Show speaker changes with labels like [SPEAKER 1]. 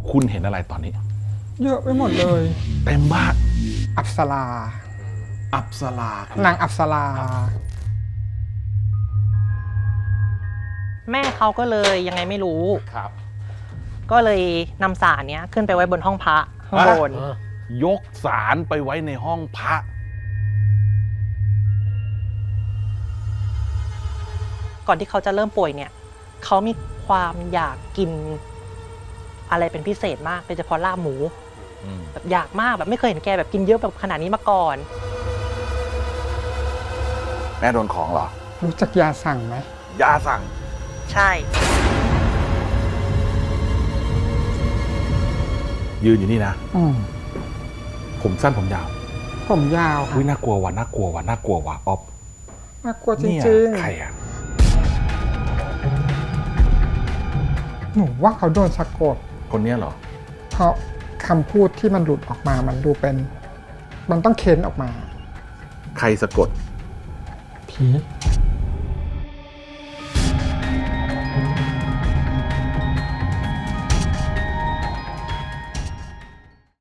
[SPEAKER 1] คุณเห็นอะไรตอนนี้
[SPEAKER 2] เยอะไปหมดเลย
[SPEAKER 1] เต็มบ้าน
[SPEAKER 2] อัปสรา
[SPEAKER 1] อัปสราน
[SPEAKER 2] างอัปสรา
[SPEAKER 3] แม่เขาก็เลยยังไงไม่รู้
[SPEAKER 1] ครับ
[SPEAKER 3] ก็เลยนำสารเนี้ยขึ้นไปไว้บนห้องพระข้างบน
[SPEAKER 1] ยกสารไปไว้ในห้องพระ
[SPEAKER 3] ก่อนที่เขาจะเริ่มป่วยเนี่ยเขามีความอยากกินอะไรเป็นพิเศษมากโดยเฉพาะลาบหมูแบบอยากมากแบบไม่เคยเห็นแกแบบกินเยอะแบบขนาดนี้มาก่อน
[SPEAKER 1] แม่โดนของเหรอ
[SPEAKER 2] รู้จักยาสั่งไหม
[SPEAKER 1] ยาสั่ง
[SPEAKER 3] ใช่
[SPEAKER 1] ยืนอยู่นี่นะ
[SPEAKER 2] อืม
[SPEAKER 1] ผมสั้นผมยาว
[SPEAKER 2] ผมยาวค่ะ
[SPEAKER 1] อุ้ยน่ากลัวว่ะน่ากลัวว่ะน่ากลัวว่ะอ๊อฟ
[SPEAKER 2] น่ากลัวจ
[SPEAKER 1] เนี่ย
[SPEAKER 2] ริง
[SPEAKER 1] ใครอ่ะ
[SPEAKER 2] ๆ หนูว่าเขาโดนสะกด
[SPEAKER 1] คนเนี้ยเหรอ
[SPEAKER 2] เพราะคำพูดที่มันหลุดออกมามันดูเป็น มันต้องเค้นออกมา
[SPEAKER 1] ใครสะกด
[SPEAKER 2] ผี